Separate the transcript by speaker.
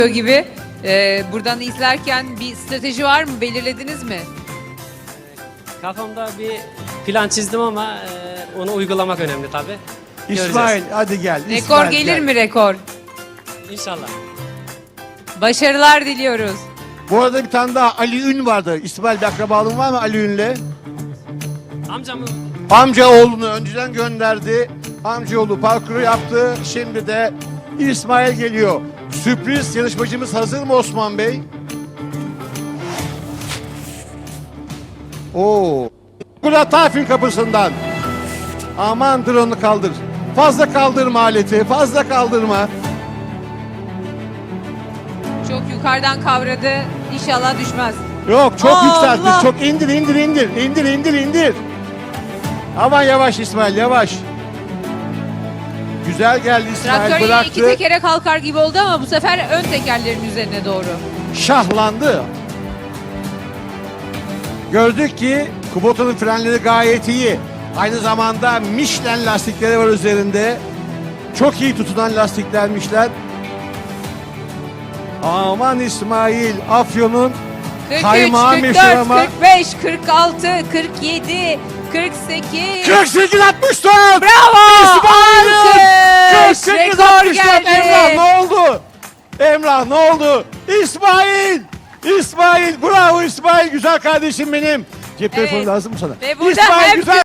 Speaker 1: gibi. Buradan izlerken bir strateji var mı? Belirlediniz mi?
Speaker 2: Kafamda bir plan çizdim ama onu uygulamak önemli tabii.
Speaker 3: İsmail hadi gel.
Speaker 1: Rekor
Speaker 3: İsmail,
Speaker 1: gelir
Speaker 3: gel.
Speaker 1: mi rekor?
Speaker 2: İnşallah.
Speaker 1: Başarılar diliyoruz.
Speaker 3: Bu arada bir tane daha Ali Ün vardı. İsmail bir akrabalığın var mı Ali Ün'le?
Speaker 2: Amcamın
Speaker 3: Amca oğlunu önceden gönderdi. Amcaoğlu parkuru yaptı. Şimdi de İsmail geliyor. Sürpriz yarışmacımız hazır mı Osman Bey? Oo. Murat Tafin kapısından. Aman drone'u kaldır. Fazla kaldırma aleti. Fazla kaldırma.
Speaker 1: Çok yukarıdan kavradı. İnşallah düşmez.
Speaker 3: Yok çok
Speaker 1: Allah!
Speaker 3: yükseltti. Çok indir. İndir. Aman yavaş İsmail yavaş. Güzel geldi İsmail
Speaker 1: Traktör yine
Speaker 3: bıraktı.
Speaker 1: iki tekere kalkar gibi oldu ama bu sefer ön tekerlerin üzerine doğru.
Speaker 3: Şahlandı. Gördük ki Kubota'nın frenleri gayet iyi. Aynı zamanda Michelin lastikleri var üzerinde. Çok iyi tutunan lastiklermişler. Aman İsmail Afyon'un
Speaker 1: 43,
Speaker 3: kaymağı
Speaker 1: 44,
Speaker 3: meşhur ama
Speaker 1: 45, 46, 47, 48.
Speaker 3: 48 64.
Speaker 1: Bravo!
Speaker 3: İsmail!
Speaker 1: Alkış!
Speaker 3: 48
Speaker 1: Rekor
Speaker 3: 64.
Speaker 1: geldi.
Speaker 3: Emrah ne oldu? Emrah ne oldu? İsmail! İsmail bravo İsmail güzel kardeşim benim. Cep telefonu
Speaker 1: Evet.
Speaker 3: lazım mı sana?
Speaker 1: Ve burada
Speaker 3: İsmail
Speaker 1: hem
Speaker 3: güzel